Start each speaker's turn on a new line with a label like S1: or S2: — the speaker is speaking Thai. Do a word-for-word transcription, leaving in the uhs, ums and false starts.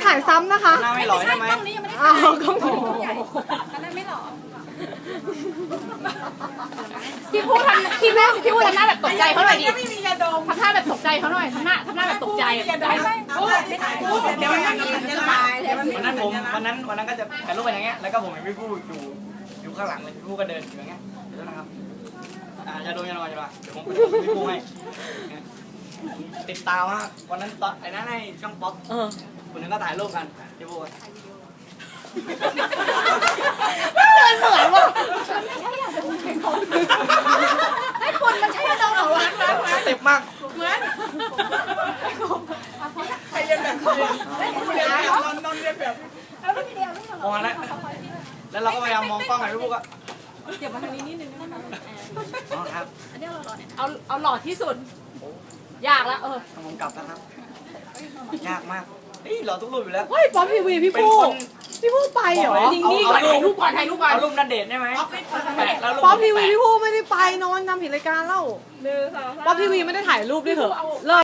S1: ถ่ายซ้ำนะคะ
S2: หน้าไม่หล่อใช่ไหม
S3: กล้องนี้ยังไม่ได้
S1: อ้าวกล้อง
S3: ใหญ่ตอนแรกไม่หล่อ
S4: พี่พูดทำพี่พูดพี่พูดทำหน้าแบบตกใจเขาหน่อยดิ
S3: ไม่มียาดม
S4: ทำหน้าแบบตกใจเขาหน่อยทำหน้าทำหน้าแบบตกใจอะ
S3: ยาดมไม่ไม่ถ่ายเดี๋ยวมันจะตายเดี๋ยวมัน
S2: วันนั้นผมวันนั้นวันนั้นก็จะถ่ายรูปไปอย่างเงี้ยแล้วก็ผมเห็นพี่ผู้อยู่อยู่ข้างหลังเลยพี่ผู้ก็เดินอยู่อย่างเงี้ยเดี๋ยวนะครับอ่าจะโดนจะโดนจะโดนเดี๋ยวผมไปดูพี่ผู้ให้ติดตามมากวันนั้นตอนไอ้นั่นในช่องป๊อป
S1: เออ
S2: คนนึงก็ถ่ายรูปกันพี่ผู้
S1: เดินเหมือนว่ะ
S3: ไอ้คนมันใช้ยาดมเหรอวะ
S2: เต็มมาก
S3: เหมือนใครเรียนแบบเขานอนนอนเรียนแบบแล้วไม่เดียวไม่หรอ
S2: มองแล้วแล้วเราก็พยายามมองกล้องไอ้พี่ผู้ก็
S3: เดี๋ยวมาทางนี้นิดนึงได้ไหม
S2: อ๋อครับ
S3: อันนี้เราหล่อเนี่ย
S4: เอาเอาหลอดที่สุด ยากแล้วเออ
S2: ต้องผมกลับแล้วครับยากมากเฮ้ยเราทุกรูปอยู่แล้ว
S1: เฮ้ยป๊อปทีวีพี่
S2: เป็น
S1: ผู้
S2: คน
S1: พี่ผู้ไปเหรอ
S4: นิ่งๆก่อนถ่ายรูปก่อนถ่ายรูปก่อน
S2: เอารูปนันเดทได้ไหมแปะแล้วรูป
S1: ป๊อปทีวี
S2: แปะ
S1: พี่ผู้ไม่ได้ไปนอนทำผิดรายการแล้ว
S3: หนึ่งสองสาม
S1: ป๊อปทีวีไม่ได้ถ่ายรูปด้วยเหรอเลิก